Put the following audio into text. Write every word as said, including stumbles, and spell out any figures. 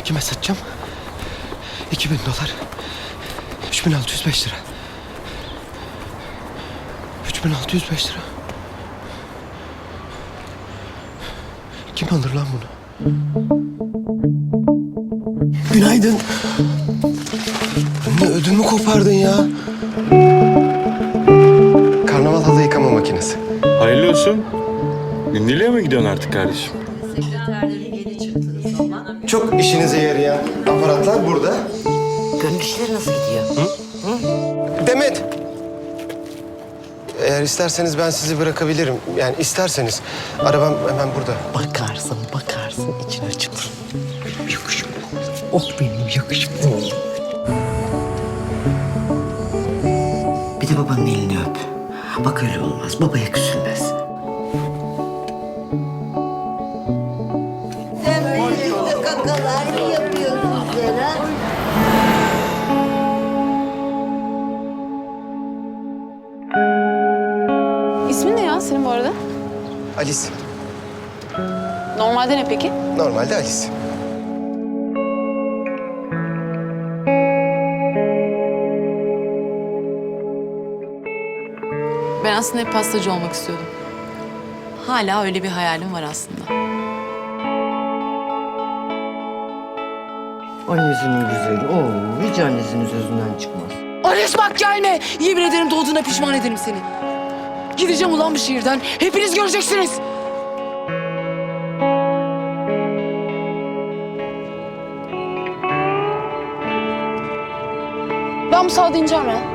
Kime satacağım? İki bin dolar. Üç bin altı yüz beş lira. Üç bin altı yüz beş lira. Kim alır lan bunu? Günaydın. Ne ödümü kopardın ya? Karnaval halı yıkama makinesi. Hayırlı olsun. Gündeliğe mi gidiyorsun artık kardeşim? Sekreterleri yeni çıktınız ama. Çok işinize yarayan aparatlar burada. Gönül işleri nasıl gidiyor? Demet! Eğer isterseniz ben sizi bırakabilirim. Yani isterseniz. Arabam hemen burada. Bakarsın, bakarsın için açılır. Yakışıklı. Oh benim yakışıklı oğlum. Bir de babanın elini öp. Bak öyle olmaz. Babaya küsülmez. Böyle kakalar mı yapıyorsun ha? İsmin ne ya senin bu arada? Alice. Normalde ne peki? Normalde Alice. Ben aslında hep pastacı olmak istiyordum. Hala öyle bir hayalim var aslında. Annesinin güzeli. Oo, hiç annesinin sözünden çıkmaz. Ares bak gelme. Yemin ederim doğduğuna pişman ederim seni. Gideceğim ulan bu şehirden. Hepiniz göreceksiniz. Ben bu sahada ineceğim ya.